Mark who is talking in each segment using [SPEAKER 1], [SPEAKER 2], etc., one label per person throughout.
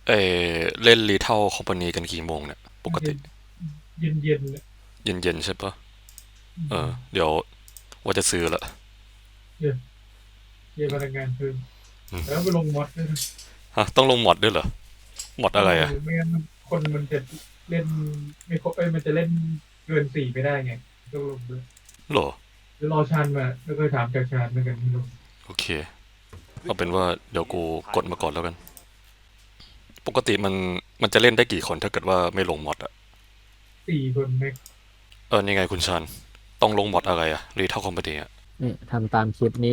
[SPEAKER 1] เอเล่นรีเทลคอมพานีกันกี่โมงเนี่ยปกติ
[SPEAKER 2] เย็นเย็นเย็นเนี่ย
[SPEAKER 1] เย็นๆใช่ปะ
[SPEAKER 2] อื
[SPEAKER 1] เออ
[SPEAKER 2] ม
[SPEAKER 1] เดี๋ยวว่าจะซื้อละ
[SPEAKER 2] เย็นเย็นพลังงานเพิ่มแล้วไปลงมอดด้วยนะ
[SPEAKER 1] ฮะต้องลงมอดด้วยเหรอมอด
[SPEAKER 2] ต้องลง
[SPEAKER 1] อะไรอะ
[SPEAKER 2] ไม่งั้นคนมันจะเล่นไม่ครบมันจะเล่นเกินสี่ไม่ได้ไงต้องลงด้วย
[SPEAKER 1] หรอ
[SPEAKER 2] เดี๋ยวรอชานมาแล้วก็ถามจากชานเหมือนกันที่ลง
[SPEAKER 1] โอเคเอาเป็นว่าเดี๋ยวกูกดมาก่อนแล้วกันปกติมันจะเล่นได้กี่คนถ้าเกิดว่าไม่ลงมอดอะ
[SPEAKER 2] สี่คนแม็ก
[SPEAKER 1] นี่ไงคุณชันต้องลงมอดอะไรอะรีเทลคอมพานีอะ
[SPEAKER 3] นี่ทำตามคลิปนี้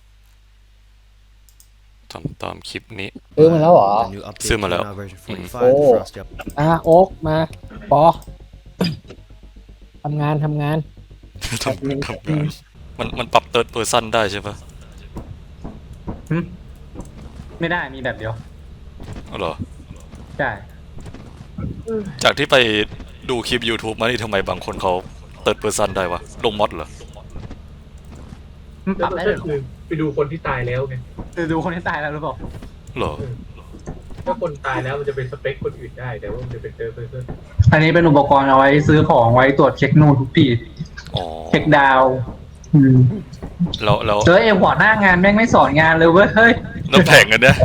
[SPEAKER 1] ทำตามคลิปนี้
[SPEAKER 3] ซื้อมาแล้วเหรอ
[SPEAKER 4] The new update
[SPEAKER 1] ซื้อมาแล้ว
[SPEAKER 4] came out version
[SPEAKER 1] อืม
[SPEAKER 3] โอ้
[SPEAKER 4] 45 the Frosty update.
[SPEAKER 3] โอ๊กมาปอทำงาน
[SPEAKER 1] ทำงานมันปรับเติร์ดเพอร์ซันได้ใช่ปะ
[SPEAKER 5] หึไม่ได้มีแบบเดียว
[SPEAKER 1] อ๋อเหรอ
[SPEAKER 5] ใช่
[SPEAKER 1] จากที่ไปดูคลิป YouTube มานี่ทำไมบางคนเขาเติร์ดเพอร์ซันได้วะลงมอดเหรอ
[SPEAKER 5] มันปรับได้เลยเหรอ
[SPEAKER 2] คือไปดูคนที่ตายแล้วไง
[SPEAKER 5] ดูคนที่ตายแล้วหรือเปล่า
[SPEAKER 1] เหรอ
[SPEAKER 2] เออถ้าคนตายแล้วมันจะเป็นสเปคคนอื่นได้แต่ว่ามันจะเป็นเจอเพอร์เซน
[SPEAKER 5] อันนี้เป็นอุปกรณ์เอาไว้ซื้อของไว้ตรวจเช็คนู่นทุกปี
[SPEAKER 1] อ๋อ
[SPEAKER 5] เช็คดาวน์อืม
[SPEAKER 1] แล้ว
[SPEAKER 5] เจอเอ็มหัวหน้างานแม่งไม่สอนงานเลยเว้ยเฮ้ย
[SPEAKER 1] แล้วแผงกันเนี่ย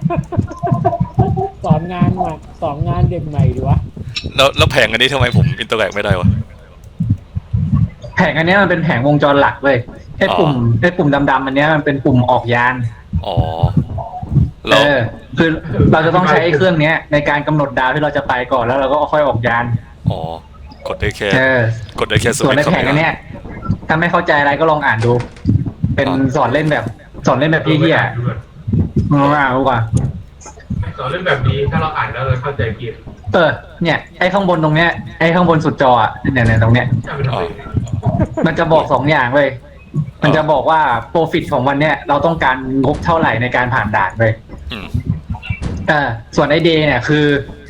[SPEAKER 3] สอนงานเด็กใหม่ดีวะ
[SPEAKER 1] แล้วแผงอันนี้ทำไมผมอินเตอร์แอคไม่ได้วะ
[SPEAKER 5] แผงอันเนี้ยมันเป็นแผงวงจรหลักเว้ยไอ้
[SPEAKER 1] อ๋อ
[SPEAKER 5] ปุ่มดำๆอันเนี้ยมันเป็นปุ่มออกยาน
[SPEAKER 1] อ๋อ
[SPEAKER 5] เอ
[SPEAKER 1] แล้ว
[SPEAKER 5] อคือเราจะต้องใช้ไอ้เครื่องเนี้ยในการกำหนดดาวที่เราจะไปก่อนแล้วเราก็ค่อยออกยาน
[SPEAKER 1] อ๋อกดได้แค่
[SPEAKER 5] เออ
[SPEAKER 1] กดได้แค่ส
[SPEAKER 5] ส่วนใน
[SPEAKER 1] วิตช์คอมพิวเตอร์
[SPEAKER 5] แผงอันเนี้ยถ้าไม่เข้าใจอะไรก็ลองอ่านดูเป็น
[SPEAKER 1] อ่ะ
[SPEAKER 5] สอนเล่นแบบพี่ๆอ่ะอ่านดูก่อน
[SPEAKER 2] สอนเรื่องแบบนี้ถ้าเราอ่านแล้วเราเข้าใจผิด
[SPEAKER 5] เนี่ยไอ้ข้างบนตรงเนี้ยไอ้ข้างบนสุดจออ่ะเนี่ยตรงเนี้ย
[SPEAKER 2] จะเป็นอะไร
[SPEAKER 5] มันจะบอก2 อย่างเลยมันจะบอกว่าโปรฟิตของวันเนี้ยเราต้องการงบเท่าไหร่ในการผ่านด่านเลย
[SPEAKER 1] อืม
[SPEAKER 5] ส่วนไอ้เดย์เนี่ยคือ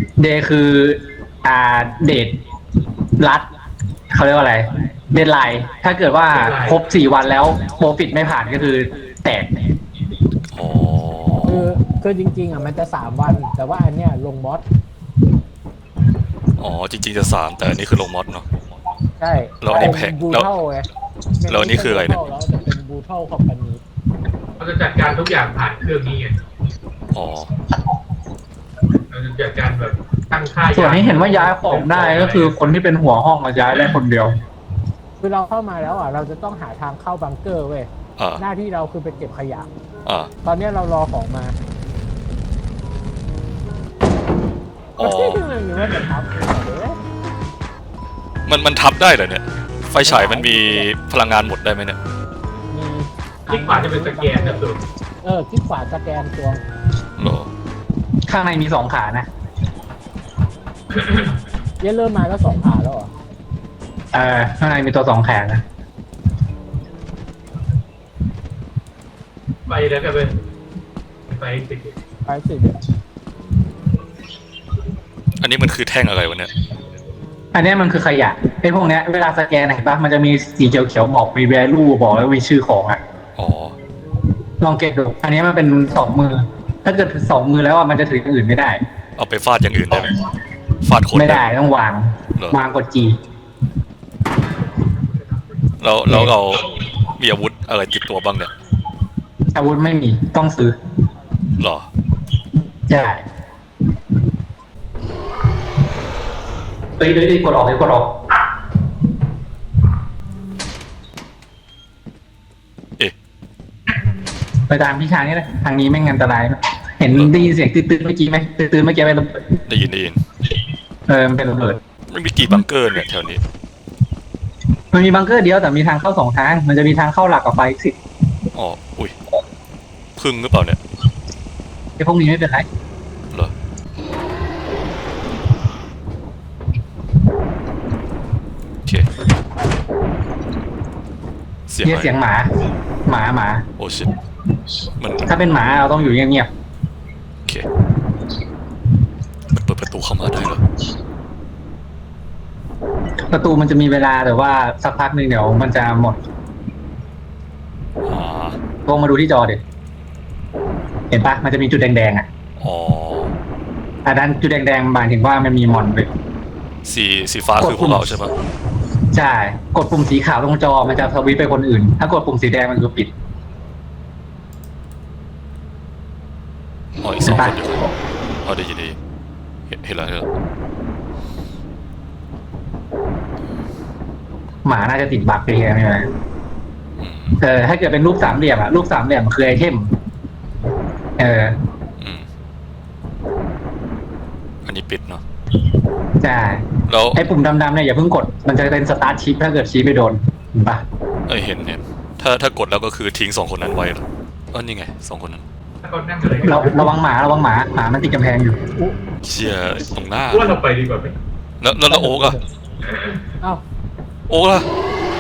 [SPEAKER 5] เดทรัดเขาเรียกว่าอะไรเดดไลน์ถ้าเกิดว่าครบ4 วันแล้วโปรฟิตไม่ผ่านก็คือแตก
[SPEAKER 1] อ๋อ
[SPEAKER 3] คือจริงๆมันจะ3 วันแต่ว่าอันเนี้ยลงมอส
[SPEAKER 1] อ๋อจริงๆจะ3แต่อันนี้คือลงมอดเนาะ
[SPEAKER 3] ใช่
[SPEAKER 1] แล้วอันนี้แพง
[SPEAKER 3] บู
[SPEAKER 1] แล้ว
[SPEAKER 3] เทิลไง
[SPEAKER 1] แล้วอันนี้คืออะไรเนี่ย
[SPEAKER 3] แล้วจะเป็นบูเทิลคอมพานี
[SPEAKER 2] เราจะจัดการทุกอย่างผ่านเครื่องนี้ไง
[SPEAKER 1] อ๋อ
[SPEAKER 2] เราจะจัดการแบบตั้งค่า
[SPEAKER 5] ส่วนที่เห็นว่าย้ายของได้ก็คือคนที่เป็นหัวห้องมาย้ายได้คนเดียว
[SPEAKER 3] คือเราเข้ามาแล้วเราจะต้องหาทางเข้าบังเกอร์เว้ย
[SPEAKER 1] อ่า
[SPEAKER 3] หน้าที่เราคือไปเก็บขยะตอนนี้เรารอของมา
[SPEAKER 1] อ๋อ
[SPEAKER 3] หรือว่าจะทับ
[SPEAKER 1] มันทับได้เหรอเนี่ยไฟฉายมันมีพลังงานหมดได้ไหมเนี่ย
[SPEAKER 3] มี
[SPEAKER 2] คลิกขวาจะเป็นสแกนนะสุด
[SPEAKER 3] คลิกขวาสแกนตัว
[SPEAKER 1] เหรอ
[SPEAKER 5] ข้างในมี2 ขานะ
[SPEAKER 3] เริ่มมาแล้ว2 ขาแล้วเหรอ
[SPEAKER 5] ข้างในมีตัว2 แขนนะ
[SPEAKER 2] ไปแล้วกันเป็นไปสิ
[SPEAKER 3] ไปสิ
[SPEAKER 1] อันนี้มันคือแท่งอะไรวะเนี่ย
[SPEAKER 5] อันนี้มันคือขยะไอ้พวกเนี้ยเวลาสแกนเห็นปะมันจะมีสีเขียวๆบอกมี value บอกแล้วมีชื่อของ
[SPEAKER 1] อ๋อ
[SPEAKER 5] ลองเก็บดูอันนี้มันเป็น2 มือถ้าเกิด2 มือแล้วมันจะถืออย่างอื่นไม่ได้
[SPEAKER 1] เอาไปฟาดอย่างอื่นได้ไหมฟาดคน
[SPEAKER 5] ไม่ได้ต้องวางกด G
[SPEAKER 1] แล้วเรามีอาวุธอะไรติดตัวบ้างเนี่ย
[SPEAKER 5] อาวุธไม่มีต้องซื้อ
[SPEAKER 1] หรอ
[SPEAKER 5] ใช่เฮ้ยกดออก
[SPEAKER 1] เอ๊ะ
[SPEAKER 5] ไปตามพี่ชายนี่แหละทางนี้ไม่งั้นอันตรายเห็นได้ยินเสียงตื่นเมื่อกี้ไหมตื่นเมื่อกี้ไป
[SPEAKER 1] ได้ยิน
[SPEAKER 5] มันเป็นระเบิด
[SPEAKER 1] ไม่มีกี่บังเกอร์เนี่ยแถวนี้
[SPEAKER 5] มันมีบังเกอร์เดียวแต่มีทางเข้า2 ทางมันจะมีทางเข้าหลักกับไฟสิ
[SPEAKER 1] อ๋ออุ้ยพึ่งหรือเปล่าเนี่ย
[SPEAKER 5] ไอ้พวกนี้ไม่เป็นไร
[SPEAKER 1] เหรอโอเคเสียงอะไร
[SPEAKER 5] เสียงหมา
[SPEAKER 1] โอ้ชิตมัน
[SPEAKER 5] ถ้าเป็นหมาเราต้องอยู่เงียบ
[SPEAKER 1] โอเคมันเปิดประตูเข้ามาได้เหรอ
[SPEAKER 5] ประตูมันจะมีเวลาแต่ว่าสักพักหนึ่งเดี๋ยวมันจะหมดลงมาดูที่จอดิเห็นปะมันจะมีจุดแดงๆ
[SPEAKER 1] อ๋อ
[SPEAKER 5] อันนั้นจุดแดงๆหมายถึงว่ามันมีมอนเลย
[SPEAKER 1] สีฟ้าคือพวกเราใช่ปะ
[SPEAKER 5] ใช่กดปุ่มสีขาวตรงจอมันจะสวิตช์ไปคนอื่น ถ้ากดปุ่มสีแดงมันคือปิด
[SPEAKER 1] อ๋ออีก2 คนอยู่อ๋อดีเห็นแล้ว
[SPEAKER 5] หมาน่าจะติดบั๊กไปแค่ไม่เป็นไรถ้าเกิดเป็นรูปสามเหลี่ยมอะรูปสามเหลี่ยมมันคือไอเทม
[SPEAKER 1] อืมอันนี้ปิดเนาะ
[SPEAKER 5] ใช่
[SPEAKER 1] แล้ว
[SPEAKER 5] ไอปุ่มดำๆเนี่ยอย่าเพิ่งกดมันจะเป็นสตาร์ทชิปถ้าเกิดชี้ไปโดนเห็นปะ
[SPEAKER 1] เห็นถ้ากดแล้วก็คือทิ้ง2 คนนั้นไว้เหรอนี่ไง2 คนนั้น
[SPEAKER 2] ถ้าเขานั่งอะไร
[SPEAKER 5] ระวังหมาหมามันติดกำแพงอยู่
[SPEAKER 1] เชียตรงหน้า
[SPEAKER 2] ว่าเราไปดีกว่าไหม
[SPEAKER 1] แล้วโอ๊กอะ
[SPEAKER 3] เอ้า
[SPEAKER 1] โอ๊กล่ะ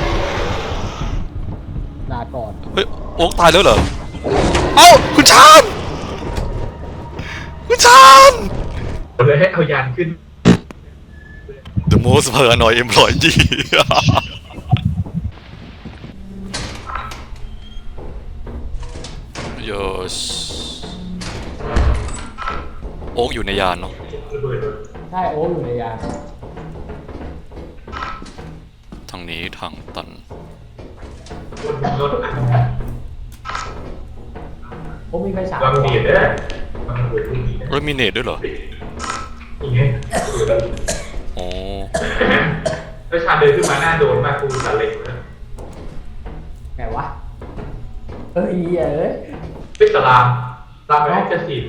[SPEAKER 3] ลาก่อน
[SPEAKER 1] เฮ้ยโอ๊กตายแล้วเหรอเอ้าคุณชาน
[SPEAKER 2] เลยให้เอายานขึ้น
[SPEAKER 1] The most paranoid employee โยชโอ๊กอยู่ในยานเนาะ
[SPEAKER 2] ระเบิด
[SPEAKER 3] ใช่โอ้อยู่ในยาน
[SPEAKER 1] ทางนี้ทางตัน
[SPEAKER 2] บนรถ
[SPEAKER 3] โอ้มีไฟฉาย
[SPEAKER 2] วางเบียดได้วางเบียดที่นี่
[SPEAKER 1] เรมิเนตด้วยเหรอ
[SPEAKER 2] นี่ไง
[SPEAKER 1] อ๋อ
[SPEAKER 2] แล้วชาเดินขึ้นมาหน้าโดนมากกูตัดเล็กนะ
[SPEAKER 3] ไงวะเอ้ยเอ้ย
[SPEAKER 2] เป็นสลามไปให้จะฉีด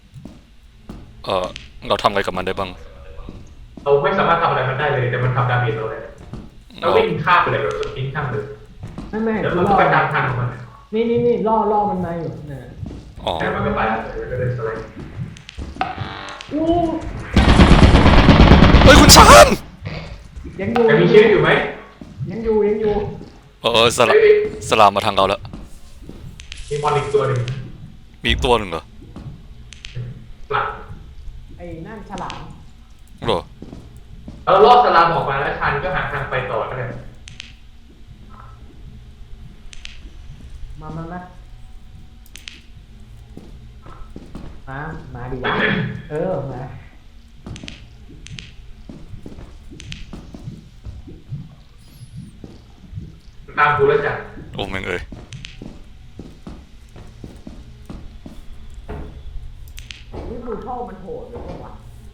[SPEAKER 1] เราทำอะไรกับมันได้บ้าง
[SPEAKER 2] เราไม่สามารถทำอะไรมันได้เลยแต่มันทำดาเมจเราเลยเราวิ่งข้ามไปเลยแบบสปินข้ามเลย
[SPEAKER 3] ไม่
[SPEAKER 2] แล้ว
[SPEAKER 3] กู
[SPEAKER 2] มัน
[SPEAKER 3] ล่
[SPEAKER 2] ก็
[SPEAKER 3] อ
[SPEAKER 2] ไปตามทางของมัน
[SPEAKER 3] นี่ล่อมันมาอยู่นะ
[SPEAKER 1] อ๋อ
[SPEAKER 2] แล้วมันก็ไปก็เลยสไลด์
[SPEAKER 3] อู้
[SPEAKER 1] เฮ้ยคุณชาน
[SPEAKER 3] ยังอยู่
[SPEAKER 2] แต่มีชีวิตอยู่ไหม
[SPEAKER 3] ยังอยู่
[SPEAKER 1] สลามมาทางเราแล้ว
[SPEAKER 2] มีมอนอีกตัวหนึ่ง
[SPEAKER 1] มีอีกตัวหนึ่งเหรอ
[SPEAKER 2] หลัง
[SPEAKER 3] ไอ้นั่นฉลาม
[SPEAKER 1] เหรอ
[SPEAKER 2] เราลอดสลามออกมาแล้วชันก็หาทางไปต่อได้
[SPEAKER 3] มาดิวะมา
[SPEAKER 2] ตามกูแล้วจ้ะ
[SPEAKER 1] โอ้แม่งเอ้ย
[SPEAKER 3] นี่มือเข้ามันโหดเลยว่ะ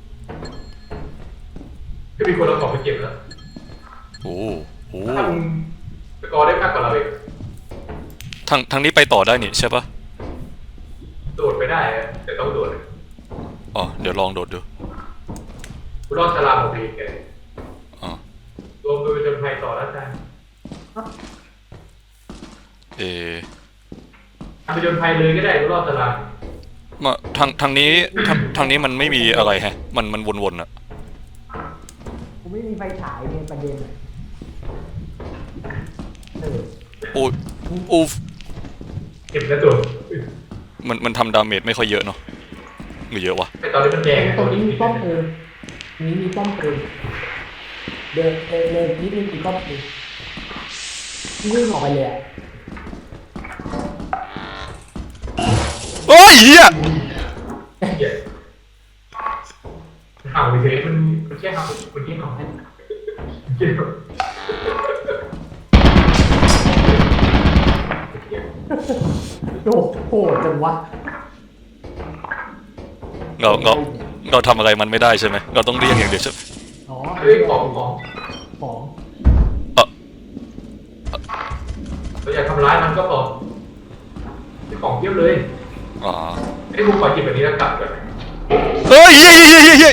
[SPEAKER 2] ก็มีคนเอาของไปเก็บแล้ว
[SPEAKER 1] โอ้โห
[SPEAKER 2] ทำสกอร์ได้มากกว่าเราเอง
[SPEAKER 1] ทางนี้ไปต่อได้นี่ใช่ปะ
[SPEAKER 2] โดดไปได้แต่ต้องโดด
[SPEAKER 1] อ๋อเดี๋ยวลองโดดดู
[SPEAKER 2] กูรอดสลามออกไปอีกไง
[SPEAKER 1] อ๋อ
[SPEAKER 2] รวมไปจนภัยต่อแล้วจ้ะ ทำไปจนภัยเลยก็ได้กูรอดสลาม
[SPEAKER 1] มาทางนี้มันไม่มีอะไรแฮะ มันวนๆอะ
[SPEAKER 3] กูไม่มีไฟฉายเนี่ยประเด็นอะ
[SPEAKER 1] อูฟ
[SPEAKER 2] เก็บแล้วโดด
[SPEAKER 1] มันทำดาเมจไม่ค่อยเยอะเนาะหรือเยอะวะ
[SPEAKER 2] แต่ตอนนี้มันแดง
[SPEAKER 3] ตรงนี้มีป้อมปืนมีป้อมปืนเดินนิดนึงมีป้อมปืนวิ่งออกไปเลยอะ
[SPEAKER 1] โอ้ยเหี้ย
[SPEAKER 2] ห่างไปเฉยมันแค่ห่างมันแค่ห่างเกี่ยว
[SPEAKER 3] โอ้โหจังวะ
[SPEAKER 1] เราทำอะไรมันไม่ได้ใช่ไหมเราต้องเรียกอย่างเดียวใช่ไหม
[SPEAKER 3] อ๋อ
[SPEAKER 2] เฮ้ยของ เราอยากทำร้ายมันก็พอมีของเทียบเลย
[SPEAKER 1] อ๋อ
[SPEAKER 2] ไอ้กูขอหยิบแบบนี้แล้วกลับก่อน
[SPEAKER 1] เฮ้ยเฮ้ย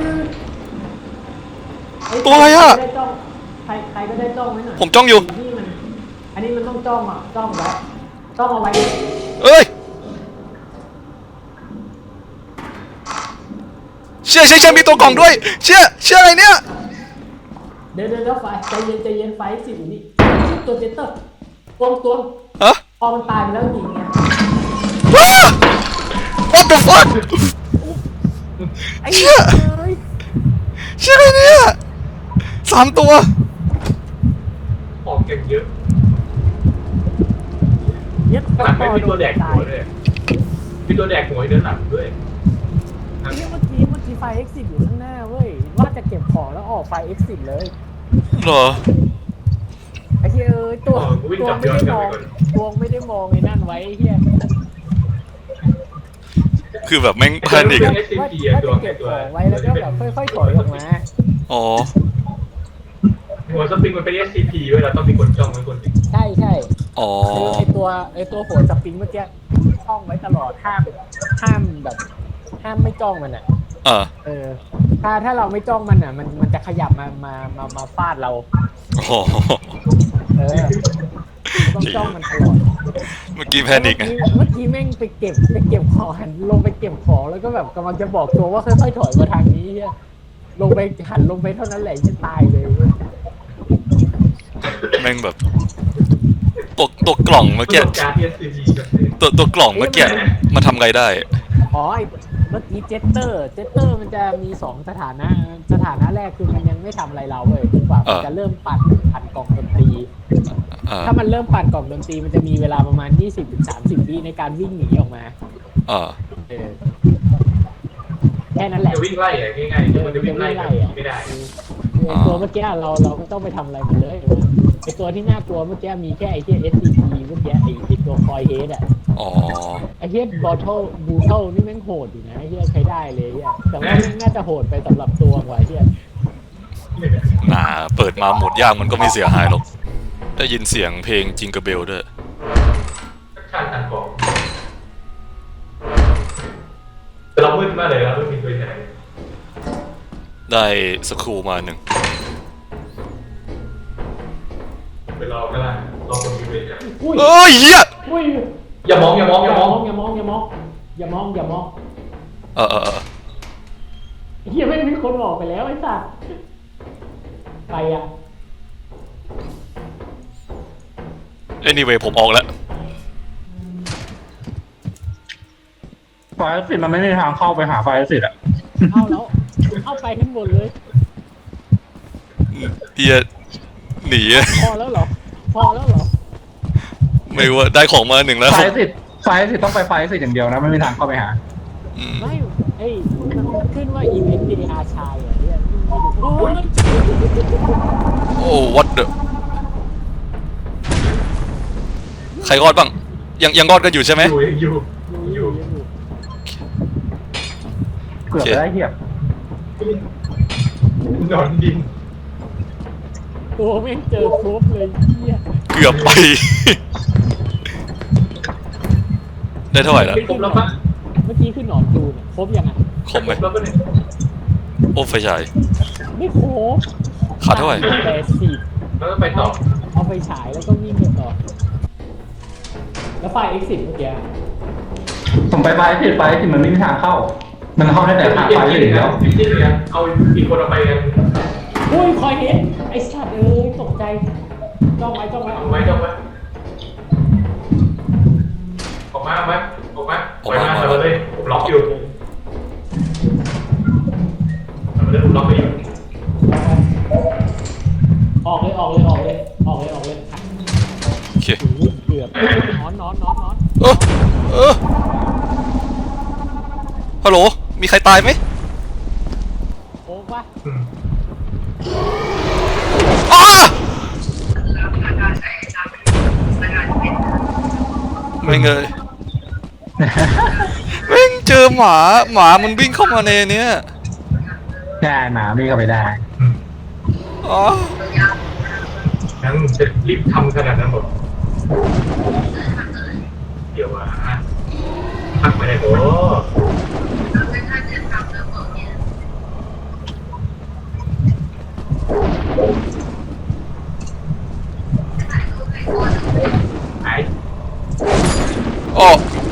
[SPEAKER 1] ตัวอะไรอะ
[SPEAKER 3] ใครก็ได้จ้องไว้หน่อย
[SPEAKER 1] ผมจ้องอยู่
[SPEAKER 3] อันนี้มันต้องจ้องไว้จ้องเอาไว้
[SPEAKER 1] เอ้ยเชื่อมีตัวกล่องด้วยเชื่ออะไรเนี่ย
[SPEAKER 3] เดี๋ยวไฟใจเย็นไฟสิอยู่นี่ตัวเจตเตอร์ตัว
[SPEAKER 1] ฮะ
[SPEAKER 3] พอมันตายไปแล้วจริงเนี่ย
[SPEAKER 1] What the fuck
[SPEAKER 3] ไอ้
[SPEAKER 1] เชื่ออะไรเนี่ย3 ตัว
[SPEAKER 2] ของเก็บเยอะ
[SPEAKER 3] เย็ด
[SPEAKER 2] ขนาดไม่มีตัวแดกหัวด้วยมีตัวแดกหัวเดินหลังด้วย
[SPEAKER 3] เมื่อกี้
[SPEAKER 4] มีไฟ exit อยู่ข้างหน้าเว้ยว่าจะเก็บของแล้วออกไฟ exit เลย
[SPEAKER 1] เหรอ
[SPEAKER 4] ไอ้เหี้ยตัวไม่ได้มองตัวไม่ได้มองไอ้นั่นไว้ไอ้เหี้ย
[SPEAKER 1] คือแบบแม่งแพนิก
[SPEAKER 2] เป็น
[SPEAKER 1] อะ
[SPEAKER 2] SCP
[SPEAKER 4] ว่า
[SPEAKER 2] ตัว
[SPEAKER 4] จะเก็บของไว้แล้วก็แบบค่อยๆถอยออกมา
[SPEAKER 1] อ๋อ
[SPEAKER 2] หัวสปริงมันเป็น SCP เว้ยเราต้องมีคนจ้องไว้คนหนึ่ง
[SPEAKER 4] ใช่ใช่
[SPEAKER 1] อ๋อ
[SPEAKER 4] ไอตัวหัวสปริงเมื่อกี้จ้องไว้ตลอดห้ามแบบห้ามไม่จ้องมันอ่ะ ถ้าเราไม่จ้องมันอ่ะ มันจะขยับมาฟาดเรา
[SPEAKER 1] อ๋อ
[SPEAKER 4] ต้องจ้องมันตลอด
[SPEAKER 1] เมื่อกี้แพนิกไง
[SPEAKER 4] เมื่อกี้แม่งไปเก็บของหันลงไปเก็บของแล้วก็แบบกำลังจะบอกตัวว่าค่อยๆถอยมาทางนี้เหี้ยลงไปหันลงไปเท่านั้นแหละจะตายเลยเว้ย
[SPEAKER 1] แม่งแบบตัวกล่องเมื่อ
[SPEAKER 2] ประ
[SPEAKER 1] กี้
[SPEAKER 2] สบการณ์ SCP แบบนี้
[SPEAKER 1] ตัวกล่องเมื่อกี้มาทำไงได้
[SPEAKER 4] อ๋อเมื่อกี้เจสเตอร์มันจะมีสองสถานะแรกคือมันยังไม่ทำอะไรเราเว้ยจนกว่ามันจะเริ่มปั่นกล่องดนตรี ถ้ามันเริ่มปั่นกล่องดนตรีมันจะมีเวลาประมาณ 20-30 วิในการวิ่งหนีออกมาแค่นั้นแหละ
[SPEAKER 2] จะวิ่งไล่อะง่ายๆมันจะวิ่งไล่แบบนี้ไม่ได้
[SPEAKER 4] ตัวเมื่อกี้เราไม่ต้องไปทำอะไรมันเลยไอตัวที่น่ากลัวเมื่อกี้มีแค่ไอที่ SCP เมื่อกี้ไอตัวคอยเฮดอ่ะไอเฮดบอทเทิลบูเทิลนี่แม่งโหดอยู่นะไอเฮียใช้ได้เลยอ่ะแต่ว่าแม่งน่าจะโหดไปสำหรับตัวกว่าเฮีย
[SPEAKER 1] เปิดมาหมดยากมันก็ไม่เสียหายหรอกได้ยินเสียงเพลงจิงเกอร์เบลด้วย
[SPEAKER 2] ชาติตัดของแต่เรามืดมากเลยเราไม่มีตัวไหน
[SPEAKER 1] ได้สครูมาหนึ่ง
[SPEAKER 2] ไปรอก็ได้รอคนมีเวร
[SPEAKER 4] อุ้ย
[SPEAKER 1] เอ้ยเหี้ย
[SPEAKER 4] อุ้ย
[SPEAKER 2] อย่ามองอย่ามองอย่ามอง
[SPEAKER 4] อย่ามองเฮียไม่มีคนบอกไปแล้วไอ้สัสไปอ่ะ
[SPEAKER 1] anyway ผมออกแล้ว
[SPEAKER 5] ไฟสิมันไม่มีทางเข้าไปหาไฟสิอ่ะ
[SPEAKER 4] เอาแล้วเอาไปทั้งหมดเลย
[SPEAKER 1] เฮียหนีอะ
[SPEAKER 4] พอแล้วเหรอ
[SPEAKER 1] ไม่ว่าได้ของมาหนึ่งแล้ว
[SPEAKER 5] ไฟสิต้องไปไฟสิอย่างเดียวนะไม่มีทางเข้าไปหา
[SPEAKER 4] ไม่เอ้ยมันขึ้นว่าอีเวนต์เดอาชายอ่ะเนี่ยโอ้ย
[SPEAKER 1] โอ้ what the ใครรอดบ้างยังรอดกันอยู่ใช่ไหม
[SPEAKER 2] อยู่
[SPEAKER 5] เกือบได้เหี้ย
[SPEAKER 2] นอนดิน
[SPEAKER 4] ตัวแม่งเจอครบเลยเหี้ย
[SPEAKER 1] เกือบไป ได้เท่าไหร่แล้ว
[SPEAKER 2] ครบแล้วปะ
[SPEAKER 4] เมื่อกี้ขึ้นหนอนดูเนี่ยครบยังอ่ะ
[SPEAKER 1] ครบไหม
[SPEAKER 2] แล้วปะเนี่ย
[SPEAKER 1] โอ้ไฟฉาย
[SPEAKER 4] ไม่ครบ
[SPEAKER 1] ขาดเท่าไหร่
[SPEAKER 4] 80
[SPEAKER 2] แล้วก็ไปต่อ
[SPEAKER 4] เอาไปฉายแล้วก็วิ่งไปต่อแล้วไฟ exit เมื่อกี้
[SPEAKER 5] ผมไปไฟสิมันไม่มีทางเข้า มันเข้าได้แต่ทางไฟสิอย่างเดียว
[SPEAKER 2] จริงๆเนี่ยเอาอีกคนเอาไปกัน
[SPEAKER 4] อุ้ยคอยเห็นไอ้สัตว์ตกใจจ้องไว้
[SPEAKER 2] เอาไว้ออกมาปล่อยมาเราเลยผมล็อกอยู่เราเลยผมล็อกไปอยู่
[SPEAKER 4] ออกเลย
[SPEAKER 1] โอเค
[SPEAKER 4] เกือบนอน
[SPEAKER 1] ฮัลโหลมีใครตายไหม
[SPEAKER 4] โอ้ปะ
[SPEAKER 1] อ้าไม่เงยแม่งเจอหมามันวิ่งเข้ามาในเนี้ย
[SPEAKER 5] ได้หมาไม่เข้าไปได้
[SPEAKER 1] อ๋อ
[SPEAKER 2] งั้นจะรีบทำขนาดนั้นหมดเดี๋ยวพักไม่ได้โอ้หาย
[SPEAKER 1] อ๋อ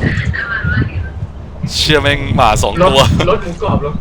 [SPEAKER 1] เชื่อแม่งหมาสองตัว
[SPEAKER 2] รถหมูกรอบรถ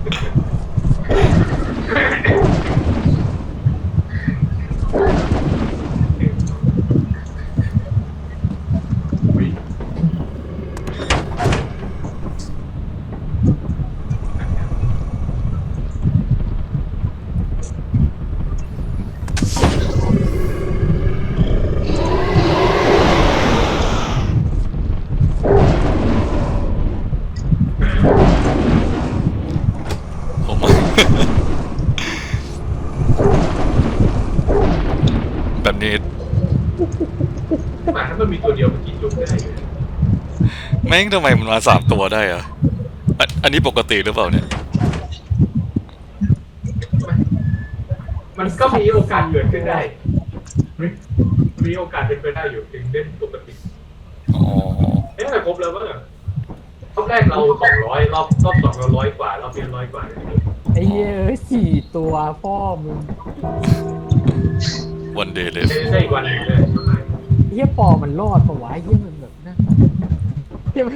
[SPEAKER 2] หมาถ้ามันมีตัวเดียวมันกินจุกได้อยู่
[SPEAKER 1] แม่งทำไมมันมา3 ตัวได้อะอันนี้ปกติหรือเปล่าเนี่ย
[SPEAKER 2] มันก็มีโอกาสเกิดขึ้นได้มีโอกาสเป็นไปได้อยู่ถึงเล่นปกติ
[SPEAKER 1] อ๋อ
[SPEAKER 2] เอ๊ะทำไมครบแล้ววะรอบแรกเรา200รอบ2เรา100 กว่ารอบนี้100 กว่า
[SPEAKER 4] ไอ้เหี้ยเอ้ย4 ตัวพ่อมึง
[SPEAKER 1] วันเดย์เลย
[SPEAKER 2] ได้อีกวันหนึงเลย
[SPEAKER 4] เหี้ยปอมันรอดปะวะเหี้ยมันแบบนั่นเหี้ยมัน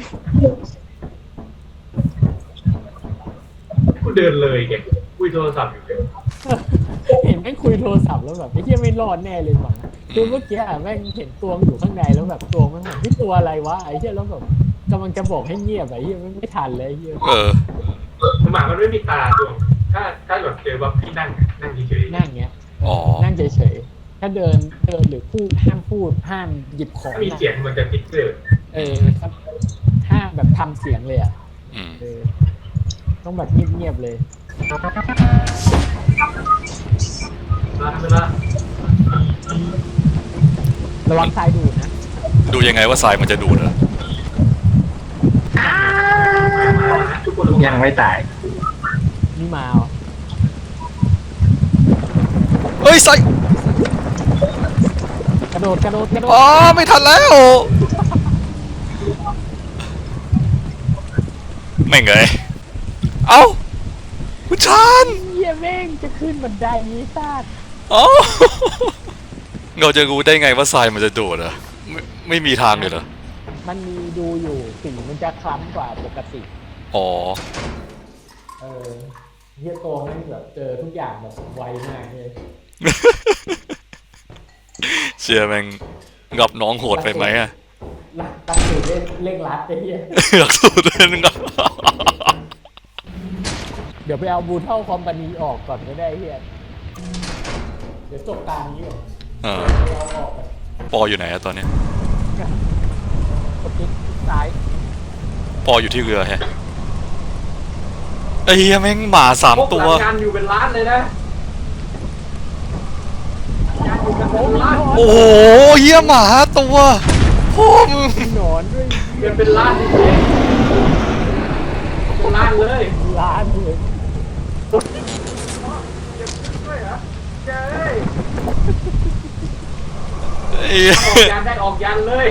[SPEAKER 2] กูเดินเลยแกคุยโทรศัพท์อยู่เลย
[SPEAKER 4] เห็นแม่งคุยโทรศัพท์แล้วแบบไอ้เหี้ยไม่รอดแน่เลยหวังคือเมื่อกี้อะแม่งเห็นตัวมันอยู่ข้างในแล้วแบบตัวมันแบบที่ตัวอะไรวะไอ้เหี้ยแล้วแบบกำลังจะบอกให้เงียบไอ้เหี้ยไม่ทันเลยไอ้เหี้ย
[SPEAKER 2] หมามันไม่มีตาตัวถ้าแบบเจอว่าพี่นั่งเฉยๆ
[SPEAKER 4] นั่งเงี้ย
[SPEAKER 1] อ๋อ
[SPEAKER 4] นั่งเฉยๆถ้าเดินหรือพูดห้ามหยิบของ
[SPEAKER 2] ถ้ามีเสียงมันจะติ๊กเกอร์
[SPEAKER 4] ครับห้ามแบบทำเสียงเลยอ่ะ
[SPEAKER 1] อืม
[SPEAKER 4] ต้องแบบเงียบๆเลย
[SPEAKER 2] เวลา
[SPEAKER 4] ระวังทรายดูดนะ
[SPEAKER 1] ดูยังไงว่าทรายมันจะดูดเหรอ
[SPEAKER 2] ทุกคน
[SPEAKER 5] ยังไม่ตาย
[SPEAKER 4] นี่มาเหรอ
[SPEAKER 1] เฮ้ยทราย
[SPEAKER 4] กระโดด
[SPEAKER 1] อ๋อไม่ทันแล้วไม่งเลยเอ้าคุณชาน
[SPEAKER 4] เหี้ยแม่งจะขึ้นบันไดนี้ซาด
[SPEAKER 1] อ๋อเราจะรู้ได้ไงว่าทรายมันจะดูดเหรอไม่มีทางเลยเหรอ
[SPEAKER 4] มันมีดูอยู่สีมันจะคล้ำกว่าปกติ
[SPEAKER 1] อ๋อ
[SPEAKER 4] เฮียโตแม่งแบบเจอทุกอย่างแบบไวมากเลย
[SPEAKER 1] เชียร์แม่งกับน้องโหดไปไหมอะ
[SPEAKER 4] ตัดสูตรเร่งรัดไอ้เฮีย
[SPEAKER 1] อยากสูดเลยนึงอะ
[SPEAKER 4] เดี๋ยวไปเอาบูเท่าคอมพานีออกก่อนก็ได้เฮียเดี๋ยวจบตานี้ก่อน
[SPEAKER 1] อ่า
[SPEAKER 4] ไปเอาออกก่อน
[SPEAKER 1] ปออยู่ไหนอะตอนเนี้ย
[SPEAKER 4] กดคลิกซ้าย
[SPEAKER 1] ปออยู่ที่เรือแฮะไอ้เหี้ยแม่งหมา3 ตัว
[SPEAKER 2] งานอยู่เป็นล้านเลยนะงานอยู่กันเป็นล้าน
[SPEAKER 1] โอ้โหเหี้ยหมา5 ตัวพ่อมึง
[SPEAKER 4] มีหนอนด้วย
[SPEAKER 2] เงินเป็นล้านจริงๆเป็นล้านเลย
[SPEAKER 4] ล้านเลย
[SPEAKER 2] ด้วยเหรอเจ้ย
[SPEAKER 1] ไอ้เหี้ย
[SPEAKER 2] ออกยันได้ออกยันเลย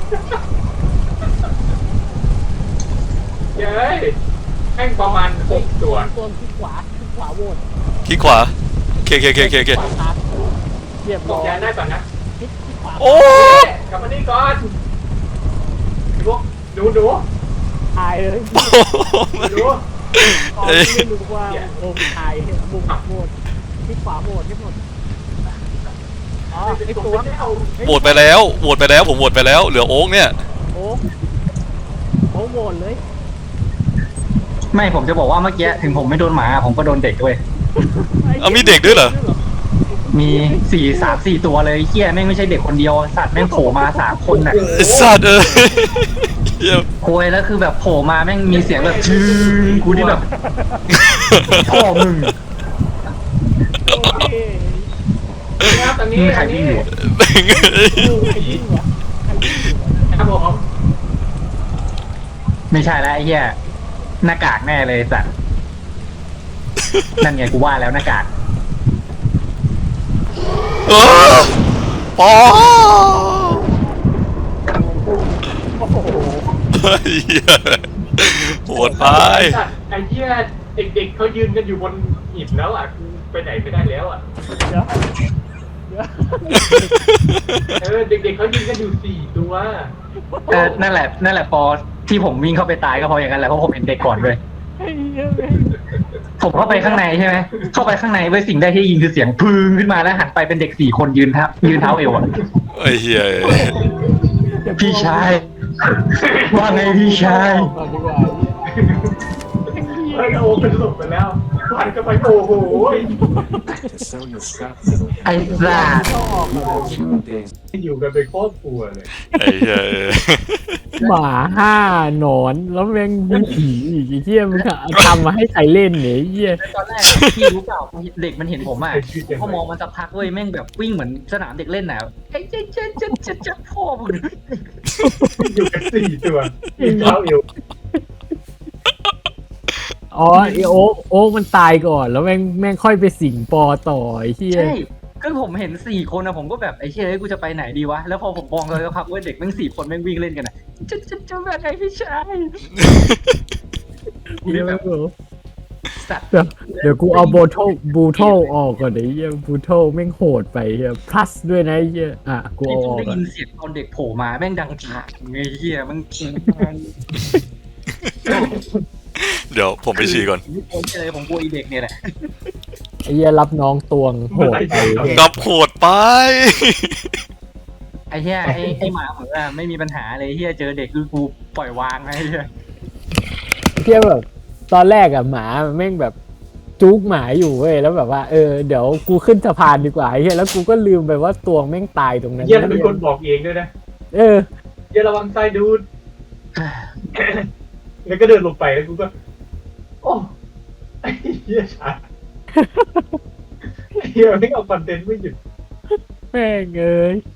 [SPEAKER 2] เจ้ยแม่งประมาณ6 ตัว
[SPEAKER 4] ตัวคลิกขวาโหวต
[SPEAKER 1] คลิกขวาเค
[SPEAKER 4] ขวาครับเรียบ
[SPEAKER 2] อ
[SPEAKER 4] ร้
[SPEAKER 2] อ
[SPEAKER 4] อก ย
[SPEAKER 2] ยันได้ป่ะนะ
[SPEAKER 4] คลิกขวา
[SPEAKER 1] โอ้
[SPEAKER 2] กลับมานี่ก่อนพวกหนู
[SPEAKER 4] ตายเลย
[SPEAKER 2] หนู
[SPEAKER 4] ตอนนี้ไม่รู้ว่าโอ้ตายบุกโหวตคลิกขวาโหวตให้หมดอ๋อไอตัว
[SPEAKER 1] โหวตไปแล้วผมโหวตไปแล้วเหลือโอ๊กเนี่ย
[SPEAKER 4] โอ้โหวตเลย
[SPEAKER 5] ไม่ผมจะบอกว่าเมื่อกี้ถึงผมไม่โดนหมาผมก็โดนเด็กด้วย
[SPEAKER 1] เอามีเด็กด้วยเหรอ
[SPEAKER 5] มี3-4 ตัวเลยเฮียแม่งไม่ใช่เด็กคนเดียวสัตว์แม่งโผล่มา3 คนน่ะ
[SPEAKER 1] ไอ้สัตว์เหี้ย
[SPEAKER 5] โวยแล้วคือแบบโผล่มาแม่งมีเสียงแบบชื่อกูที่แบบพ่อมึง
[SPEAKER 4] โอเค
[SPEAKER 2] ครับตอนนี้
[SPEAKER 5] มึงใครวิ่งอยู่
[SPEAKER 1] แม่ง
[SPEAKER 4] ใครยิ่งวะใครยิ่งวะ
[SPEAKER 2] ครับผม
[SPEAKER 5] ไม่ใช่แล้วไอ้เหี้ยหน้ากากแน่เลยสัตว์นั่นไงกูว่าแล้วหน้ากาก
[SPEAKER 1] เออปอ
[SPEAKER 4] โอ้โห
[SPEAKER 1] เหี้ยโหดไป
[SPEAKER 2] ไอ้เหี้ยเด็กๆเขายืนกันอยู่บนหินแล้วอ่ะกูไปไหนไม่ได้แล้วอ่ะ
[SPEAKER 4] เดี๋ยว
[SPEAKER 2] เด็กๆเขายืนกันอยู่4 ตัว
[SPEAKER 5] นั่นแหละพอที่ผมวิ่งเข้าไปตายก็เพราะอย่างนั้นแหละเพราะผมเห็นเด็กก่อนด้วย
[SPEAKER 4] ไอ้เหี้ยแม่ง
[SPEAKER 5] ผมเข้าไปข้างในใช่ไหมเข้าไปข้างในไว้ยสิ่งแรกที่ยินคือเสียงพึ่งขึ้นมาแล้วหันไปเป็นเด็ก4 คนยืนเท้าเอวอ่ะ
[SPEAKER 1] ไอ้เหี้ย
[SPEAKER 5] พี่ชายว่าไงพี่ชาย
[SPEAKER 4] ก่อนดีกว่าไอ้เหี้ย
[SPEAKER 2] เฮ้ยโอ้เป็นหลบไปแล้วผ่านกันไปโอ้โห
[SPEAKER 5] ไอ้สัส
[SPEAKER 2] อยู่กันเป็นครอบครัวเลย
[SPEAKER 1] ไอ้เหี้ย
[SPEAKER 4] หมาห้าหนอนแล้วแม่งมีผีอีกไอ้เหี้ยมึงทำมาให้ใครเล่นเนี่ยไอ้เหี้ย
[SPEAKER 5] ตอนแรกพี่รู้เปล่าเด็กมันเห็นผมอ่ะพอมองมันสักพักเว้ยแม่งแบบวิ่งเหมือนสนามเด็กเล่นน่ะไอ้เจ๊พ่อมึง
[SPEAKER 2] อยู่กัน4 ตัวอีกเท้าเอว
[SPEAKER 4] อ๋อไอโอ๊กมันตายก่อนแล้วแม่งค่อยไปสิงปอต่อไอ้เหี้ย
[SPEAKER 5] ใช่ก็ผมเห็น4 คนนะผมก็แบบไอ้เฮ้ยกูจะไปไหนดีวะแล้วพอผมมองเลยสักพักเว้ยเด็กแม่ง4 คนแม่งวิ่งเล่นกันอ่ะจะแบบไหนพี่ชาย
[SPEAKER 4] เดี๋ยว
[SPEAKER 5] สัตว์
[SPEAKER 4] เดี๋ยวกูเอาบูโทออกก่อนไอ้เหี้ยบูโทแม่งโหดไปเหี้ย plus ด้วยนะไอ้เหี้ยอ่ะกู
[SPEAKER 5] นี่
[SPEAKER 4] เอา
[SPEAKER 5] ผม
[SPEAKER 4] ออก
[SPEAKER 5] ได้
[SPEAKER 4] ก่อน
[SPEAKER 5] ยินเสียงตอนเด็กโผล่มาแม่งดังฉากไงเหี้ยมัน
[SPEAKER 1] เดี๋ยวผมไปฉี่ก่อน
[SPEAKER 5] ไม่กลัวเลยผมกลัวอีเด็กเนี่ยแหละ
[SPEAKER 4] ไอ้เหี้ยรับน้องตวงโหดไป
[SPEAKER 1] กลับโหดไป
[SPEAKER 5] ไอ้เหี้ยไอ้หมาเหมือนว่าไม่มีปัญหาเลยเหี้ยเจอเด็กคือกูปล่อยวางไอ้เหี้ย
[SPEAKER 4] เหี้ยแบบตอนแรกอะหมาแม่งแบบจุกหมาอยู่เว้ยแล้วแบบว่าเดี๋ยวกูขึ้นสะพานดีกว่าไอ้เหี้ยแล้วกูก็ลืมไปว่าตวงแม่งตายตรงนั้น
[SPEAKER 2] เยี่ยมเป็นคนบอกเองด้วยนะ
[SPEAKER 4] เออ
[SPEAKER 2] เยี่ยระวังไส้ดูด แล้วก็เดินลงไปแล้วกูก็ โอ้ไอ้เหี้ยชาไอ้เหี้ยไม่เอาคอนเทนต์ไม่หยุด
[SPEAKER 4] แม่งเอ้ย